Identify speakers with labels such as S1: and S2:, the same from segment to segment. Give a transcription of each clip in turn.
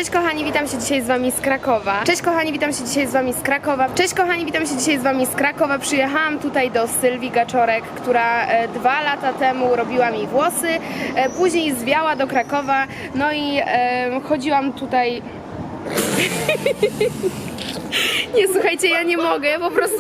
S1: Cześć kochani, witam się dzisiaj z wami z Krakowa. Cześć kochani, witam się dzisiaj z wami z Krakowa. Cześć kochani, witam się dzisiaj z wami z Krakowa. Przyjechałam tutaj do Sylwii Gaczorek, która 2 lata temu robiła mi włosy, później zwiała do Krakowa, no i chodziłam tutaj... Nie, słuchajcie, ja nie mogę, po prostu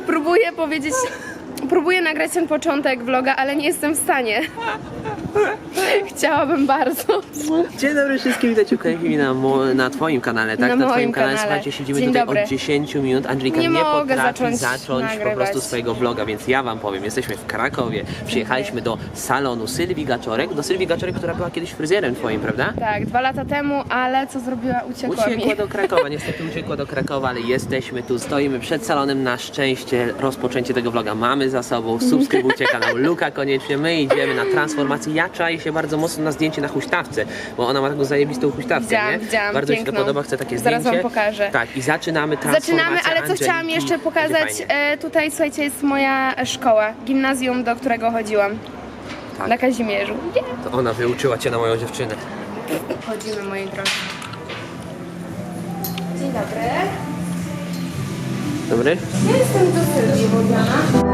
S1: próbuję nagrać ten początek vloga, ale nie jestem w stanie. Chciałabym bardzo.
S2: Dzień dobry wszystkim, witajcie na twoim kanale, tak? Na twoim kanale, słuchajcie, siedzimy
S1: Dzień
S2: tutaj
S1: dobry.
S2: od 10 minut. Angelika
S1: Nie
S2: nie
S1: mogę
S2: potrafi zacząć po
S1: nagrywać.
S2: prostu swojego vloga, więc ja wam powiem, jesteśmy w Krakowie, przyjechaliśmy do salonu Sylwii Gaczorek, która była kiedyś fryzjerem twoim, prawda?
S1: Tak, 2 lata temu, ale co zrobiła? Uciekła mi.
S2: Do Krakowa, niestety uciekła do Krakowa, ale jesteśmy tu, stoimy przed salonem, na szczęście rozpoczęcie tego vloga mamy za sobą, subskrybujcie kanał Luka koniecznie, my idziemy na transformację, ja czaję się bardzo mocno na zdjęcie na huśtawce, bo ona ma taką zajebistą huśtawkę, nie?
S1: Widziałam,
S2: Bardzo mi
S1: piękną.
S2: się to podoba, chcę takie
S1: Zaraz
S2: zdjęcie.
S1: wam pokażę.
S2: Tak, i zaczynamy transformację
S1: Ale co
S2: Angeliki.
S1: chciałam jeszcze pokazać,
S2: Będzie fajnie.
S1: tutaj słuchajcie, jest moja szkoła, gimnazjum, do którego chodziłam.
S2: Tak.
S1: Na Kazimierzu. Yeah.
S2: To ona wyuczyła cię na moją dziewczynę.
S1: Chodzimy, moi drodzy. Dzień dobry.
S2: Dobry?
S1: Ja jestem do Sylwii Wodziana.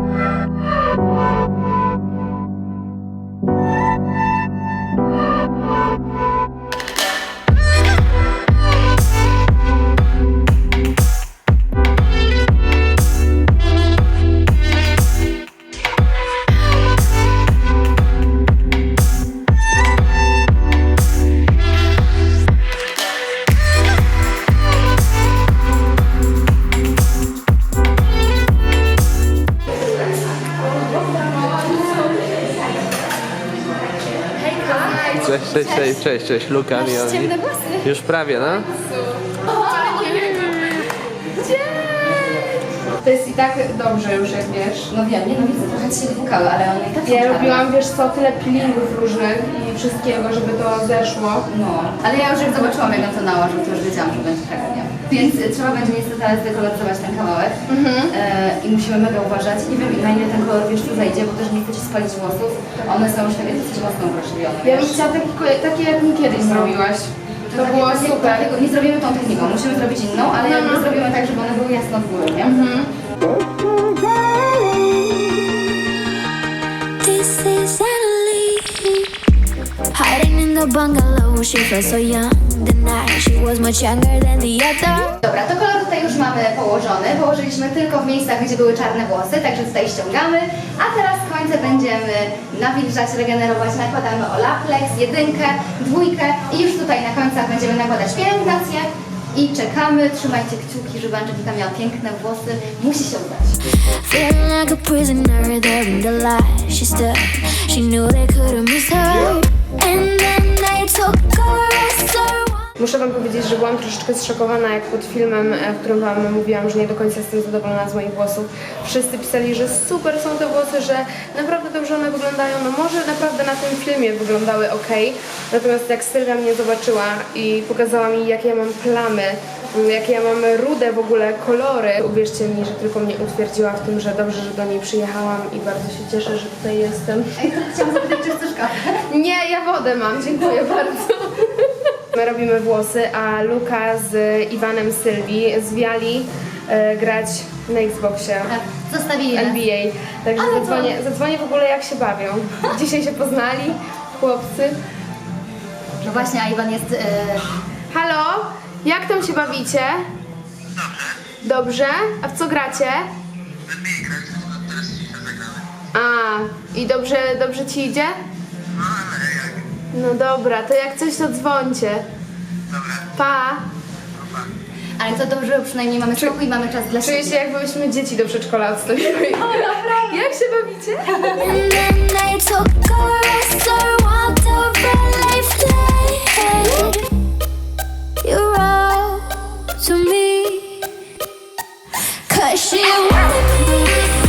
S2: Cześć, Luka.
S1: Ciemne włosy.
S2: Już prawie, no?
S1: To jest i tak dobrze już, jak wiesz.
S3: No wiem, nie no widzę, trochę ci się dłukały, ale one i tak są
S1: Ja
S3: czarne.
S1: robiłam, wiesz co, tyle peelingów różnych i wszystkiego, żeby to zeszło.
S3: No, ale ja już jak zobaczyłam, jak on to nałożył, to już wiedziałam, że będzie tak, nie? Więc trzeba będzie niestety ale zdekoloryzować ten kawałek i musimy mega uważać. Nie wiem, na ile ten kolor, wiesz, tu zajdzie, bo też nie chcę ci spalić włosów. One są już takie dosyć mocno uwrażliwione,
S1: Ja bym
S3: wiesz?
S1: chciała takie jak mi kiedyś zrobiłaś. To
S3: takie-
S1: było
S3: takie-
S1: super.
S3: takiego nie zrobimy tą techniką, musimy zrobić inną, ale jakby zrobimy tak, żeby one były jasno w górę, nie?
S4: This is Annalie, hiding in the bungalow. She felt so young the night. She was much younger than the other.
S3: Dobra, to kolor tutaj już mamy położony. Położyliśmy tylko w miejscach, gdzie były czarne włosy, także tutaj ściągamy. A teraz końce będziemy nawilżać, regenerować. Nakładamy Olaplex, 1, 2 i już tutaj na końcach będziemy nakładać pielęgnację. I czekamy, trzymajcie kciuki, żeby Angelika miała piękne włosy. Musi się udać.
S4: Feeling like a prisoner there in the light. She stood. She knew they couldn't miss her. And then they took her.
S1: Muszę wam powiedzieć, że byłam troszeczkę zszokowana, jak pod filmem, w którym wam mówiłam, że nie do końca jestem zadowolona z moich włosów. Wszyscy pisali, że super są te włosy, że naprawdę dobrze one wyglądają. No może naprawdę na tym filmie wyglądały ok. Natomiast jak Sylwia mnie zobaczyła i pokazała mi, jakie ja mam plamy, jakie ja mam rude w ogóle kolory, uwierzcie mi, że tylko mnie utwierdziła w tym, że dobrze, że do niej przyjechałam i bardzo się cieszę, że tutaj jestem.
S3: Ej, to chciałam zapytać, czy chcesz kawę?
S1: Nie, ja wodę mam, dziękuję bardzo. My robimy włosy, a Luka z Iwanem Sylwii zwiali grać na Xboxie
S3: Zostawili nas.
S1: NBA. Także
S3: Ale to-
S1: zadzwonię w ogóle, jak się bawią. Dzisiaj się poznali chłopcy.
S3: No właśnie, a Iwan jest...
S1: Halo? Jak tam się bawicie? Dobrze. A w co gracie? A, i dobrze ci idzie? No dobra, to jak coś to dzwońcie. Pa!
S3: Ale to dobrze, bo przynajmniej mamy spokój i mamy czas dla
S1: Czuję
S3: siebie.
S1: się, jakbyśmy dzieci do przedszkola odstawiły. Jak się bawicie?
S4: And then they took her. Walked over life late. You wrote to me. 'Cause she wanted me.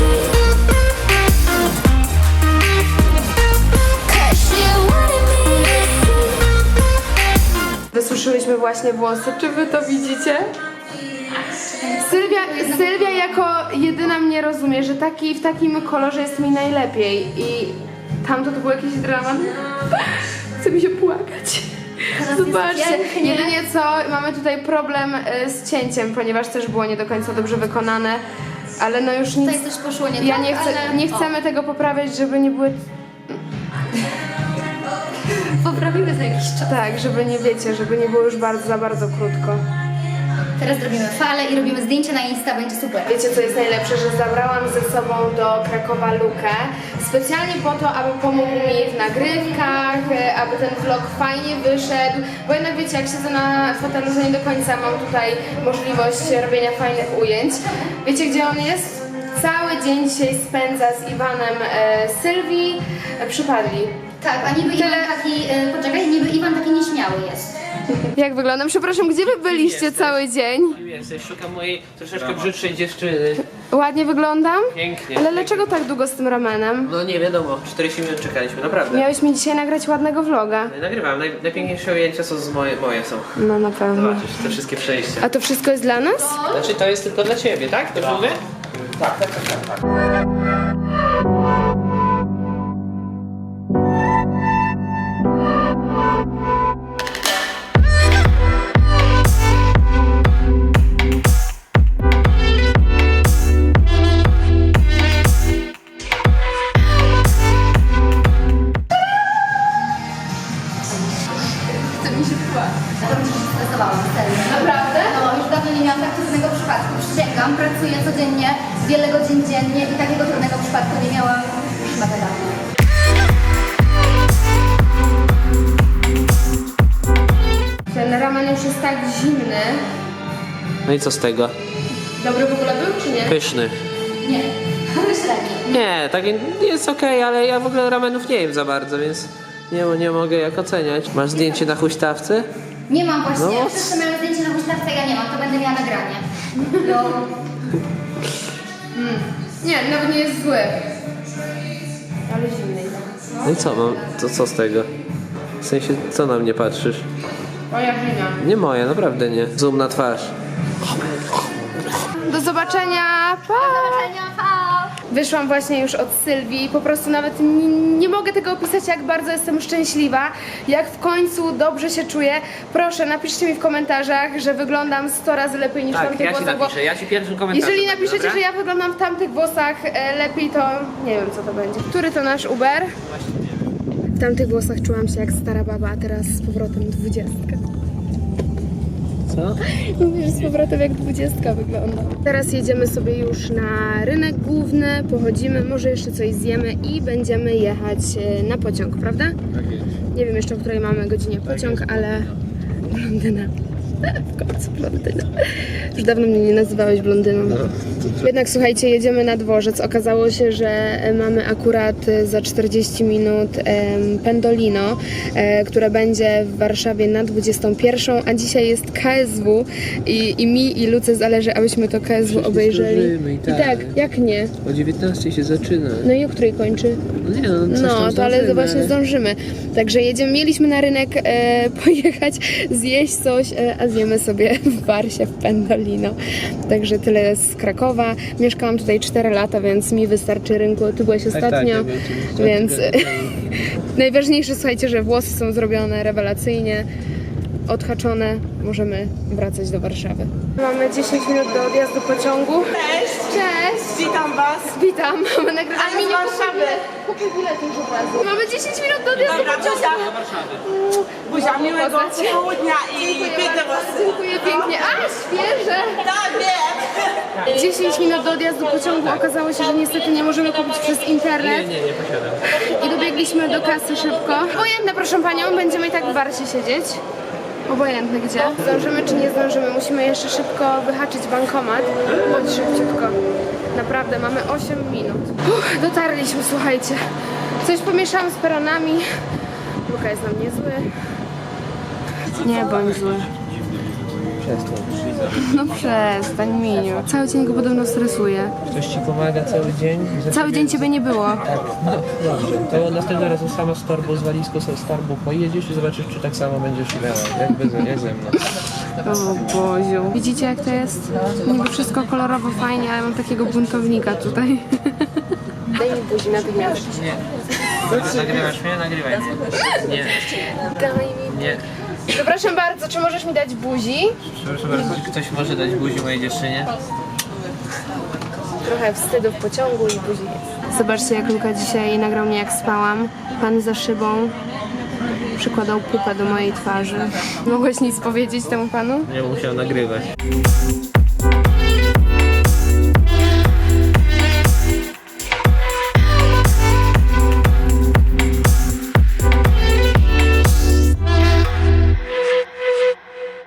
S4: 'Cause she wanted me.
S1: Wysuszyłyśmy właśnie włosy. Czy wy to widzicie? Sylwia jako jedyna mnie rozumie, że w takim kolorze jest mi najlepiej i tamto to był jakiś dramat. Chce mi się płakać. Zobaczcie, jedynie co, mamy tutaj problem z cięciem, ponieważ też było nie do końca dobrze wykonane, ale no już nic...
S3: Tutaj coś poszło nie
S1: Ja
S3: tak,
S1: nie,
S3: ale...
S1: nie chcemy tego poprawiać, żeby nie były...
S3: Poprawimy za jakiś czas.
S1: Tak, żeby nie wiecie, żeby nie było już za bardzo krótko.
S3: Teraz robimy falę i robimy zdjęcie na Insta, będzie super.
S1: Wiecie co jest najlepsze, że zabrałam ze sobą do Krakowa Lukę specjalnie po to, aby pomógł mi w nagrywkach, aby ten vlog fajnie wyszedł, bo jednak wiecie, jak siedzę na fotelu, że nie do końca mam tutaj możliwość robienia fajnych ujęć. Wiecie gdzie on jest? Cały dzień dzisiaj spędza z Iwanem Sylwii, przypadli.
S3: Tak, a niby Iwan taki, poczekaj, niby Iwan taki nieśmiały jest.
S1: Jak wyglądam? Przepraszam, gdzie wy byliście
S2: Jesteś.
S1: cały dzień?
S2: Jesteś, szukam mojej troszeczkę brzydszej dziewczyny.
S1: Ładnie wyglądam?
S2: Pięknie.
S1: Ale dlaczego tak długo z tym ramenem?
S2: No nie wiadomo, 40 minut czekaliśmy, naprawdę.
S1: Miałeś mi dzisiaj nagrać ładnego vloga.
S2: Nagrywam, najpiękniejsze ujęcia są moje są.
S1: No na pewno.
S2: Zobaczysz, te wszystkie przejścia.
S1: A to wszystko jest dla nas?
S2: Znaczy to jest tylko dla ciebie, tak? Dobrze mówię? Tak.
S3: Ja to mi się stresowałam, serio.
S1: Naprawdę?
S3: No, już dawno nie miałam tak trudnego przypadku. Przysięgam, pracuję codziennie, wiele godzin dziennie i takiego trudnego przypadku nie miałam już mega dawno.
S1: Ten ramen już jest tak zimny.
S2: No i co z tego?
S1: Dobry w ogóle był, czy nie?
S2: Pyszny.
S3: Nie, średnio.
S2: Nie, tak jest okej, ale ja w ogóle ramenów nie jem za bardzo, więc nie mogę jak oceniać. Masz zdjęcie na huśtawce?
S3: Nie mam właśnie.
S2: No.
S3: Wszyscy mają zdjęcie na huśtawce, ja nie mam, to będę miała nagranie. No,
S1: Nie, nawet nie jest zły. Ale zimny.
S2: No i co mam? To co z tego? W sensie, co na mnie patrzysz?
S1: Moja wina.
S2: Nie moje, naprawdę nie. Zoom na twarz.
S1: Do zobaczenia. Pa! Wyszłam właśnie już od Sylwii, po prostu nawet nie mogę tego opisać, jak bardzo jestem szczęśliwa, jak w końcu dobrze się czuję. Proszę, napiszcie mi w komentarzach, że wyglądam 100 razy lepiej niż w
S2: Tak,
S1: tamtych
S2: ja ci
S1: włosach, bo
S2: napiszę, ja ci pierwszym komentarzem.
S1: jeżeli
S2: dam,
S1: napiszecie,
S2: dobra?
S1: że ja wyglądam w tamtych włosach lepiej, to nie wiem co to będzie. Który to nasz Uber? W tamtych włosach czułam się jak stara baba, a teraz z powrotem 20.
S2: Co?
S1: Mówisz, z powrotem jak 20 wygląda. Teraz jedziemy sobie już na rynek główny, pochodzimy, może jeszcze coś zjemy i będziemy jechać na pociąg, prawda?
S2: Tak jest.
S1: Nie wiem jeszcze, o której mamy godzinie pociąg, ale... Blondyna. W końcu blondyna. Już dawno mnie nie nazywałeś blondyną. Jednak słuchajcie, jedziemy na dworzec. Okazało się, że mamy akurat za 40 minut Pendolino, które będzie w Warszawie na 21, a dzisiaj jest KSW i mi i Luce zależy, abyśmy to KSW obejrzeli.
S2: zdążymy i tak.
S1: Jak nie?
S2: O 19 się zaczyna.
S1: No i o której kończy?
S2: No nie no, coś
S1: No,
S2: tam
S1: to ale
S2: zdążymy,
S1: właśnie zdążymy. Także mieliśmy na rynek pojechać, zjeść coś, a zjemy sobie w Warsie w Pendolino. Także tyle z Krakowa. Mieszkałam tutaj 4 lata, więc mi wystarczy rynku. Ty byłeś ostatnio,
S2: ja byłem tu
S1: więc
S2: tygodnie
S1: najważniejsze, słuchajcie, że włosy są zrobione rewelacyjnie, odhaczone. Możemy wracać do Warszawy. Mamy 10 minut do odjazdu pociągu.
S5: Cześć!
S1: Cześć!
S5: Witam Was!
S1: Witam! Mamy nagrywanie.
S5: Ale z Warszawy.
S1: Kupuj bilet już od razu. Mamy 10 minut do odjazdu
S5: Dobra,
S1: pociągu.
S5: Buzia, miłego
S1: Poznać się.
S5: południa i
S1: Dziękuję
S5: piękne
S1: bardzo,
S5: włosy!
S1: dziękuję pięknie. A, świeże!
S5: Tak, wiem!
S1: 10 minut do odjazdu pociągu. Okazało się, że niestety nie możemy kupić przez internet.
S2: Nie posiadam.
S1: I dobiegliśmy do kasy szybko. Obojętne, proszę Panią, będziemy i tak w Warsie siedzieć. Obojętne gdzie. Zdążymy czy nie zdążymy, musimy jeszcze szybko wyhaczyć bankomat. Bądź szybciutko. Naprawdę, mamy 8 minut. Dotarliśmy, słuchajcie. Coś pomieszałam z peronami. Luka jest na mnie zły. Nie bądź zły. No przestań, Miniu. Cały dzień go podobno stresuje.
S2: Ktoś ci pomaga cały dzień?
S1: Cały dzień ciebie nie było.
S2: Tak, no dobrze. To następnym razem sama z torbą, z walizką sobie z torbą pojedziesz i zobaczysz, czy tak samo będziesz miała, jak ze mną.
S1: O Boziu. Widzicie jak to jest? Niby wszystko kolorowo fajnie, ale mam takiego buntownika tutaj. Daj mi buzi natychmiast.
S2: Nie. Nagrywasz mnie? Nagrywaj mnie. Nie.
S1: Daj mi.
S2: Nie.
S1: Przepraszam bardzo, czy możesz mi dać buzi?
S2: Proszę bardzo, czy ktoś może dać buzi mojej dziewczynie?
S1: Trochę wstydu w pociągu i buzi jest. Zobaczcie, jak Luka dzisiaj nagrał mnie, jak spałam. Pan za szybą przykładał pupę do mojej twarzy. Mogłeś nic powiedzieć temu panu?
S2: Nie musiał nagrywać.